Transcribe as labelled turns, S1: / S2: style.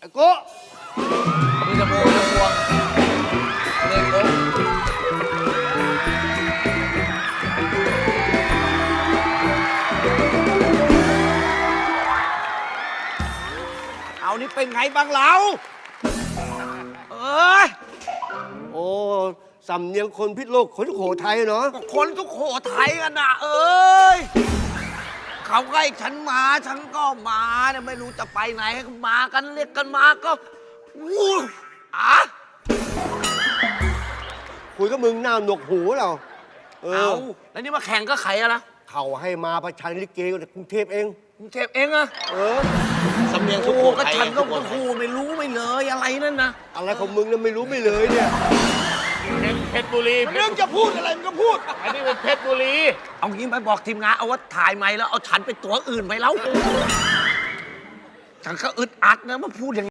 S1: ไอ้โก้
S2: มีจะโบจะพวงเลยโก้เอานี่เป็นไงบ้างเรา
S1: โอ้สำเนียงคนพิษโลกคนสุโขทัยเนาะ
S2: คนสุโขทัยกันนะเอ้ยเขาให้ฉันมาฉันก็มาเนี่ยไม่รู้จะไปไหนมากันเรียกกันมาก็วู้
S1: คุยกับมึงหน้าหนวกหูเรา
S2: เอาแล้วนี่มาแข่งก็ใครอะนะ
S1: เขาให้มาประชันลิเกจากกรุงเทพเอง
S2: กรุงเทพเองอะ
S3: สำเนียงสุโขทัย
S2: ก็ฉันก็พูดไม่รู้ไม่เลยอะไรนั่นนะ
S1: อะไรของมึงเนี่ยไม่รู้ไม่เลยเนี่ย
S3: เพชรบุรี
S1: เรื่องจะพูดอะไรมึงก็พูด
S3: อันนี้เป็นเพชรบุรี
S2: เอางี้ไปบอกทีมงานเอาว่าถ่ายใหม่แล้วเอาฉันไปตัวอื่นไปแล้วฉันก็อึดอัดนะมาพูดอย่าง